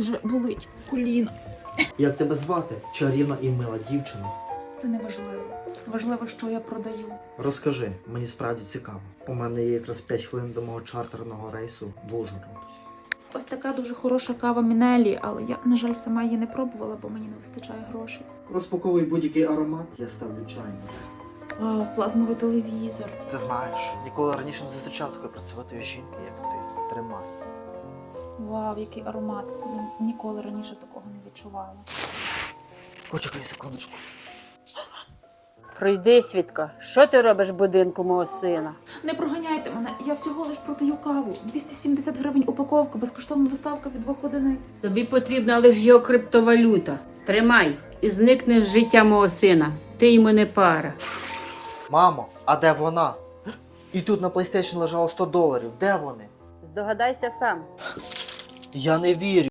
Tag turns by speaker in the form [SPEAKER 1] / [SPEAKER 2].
[SPEAKER 1] дуже болить коліно.
[SPEAKER 2] Як тебе звати? Чарівна і мила дівчина.
[SPEAKER 1] Це не важливо. Важливо, що я продаю.
[SPEAKER 2] Розкажи, мені справді цікаво. У мене є якраз 5 хвилин до мого чартерного рейсу в Ужгород.
[SPEAKER 1] Ось така дуже хороша кава Мінелі, але я, на жаль, сама її не пробувала, бо мені не вистачає грошей.
[SPEAKER 2] Розпаковуй будь-який аромат, я ставлю чайник.
[SPEAKER 1] Вау, плазмовий телевізор.
[SPEAKER 2] Ти знаєш, ніколи раніше не зустрічав такої працьовитої жінки, як ти. Тримай.
[SPEAKER 1] Вау, який аромат. Я ніколи раніше такого не відчувала.
[SPEAKER 2] Почекай секундочку.
[SPEAKER 3] Пройди, Свідка, що ти робиш в будинку мого сина?
[SPEAKER 1] Не проганяйте мене, я всього лиш продаю каву. 270 гривень упаковка, безкоштовна доставка від 2 одиниць.
[SPEAKER 3] Тобі потрібна лише його криптовалюта. Тримай і зникни з життя мого сина. Ти йому не пара.
[SPEAKER 2] Мамо, а де вона? І тут на PlayStation лежало $100. Де вони?
[SPEAKER 3] Здогадайся сам.
[SPEAKER 2] Я не вірю.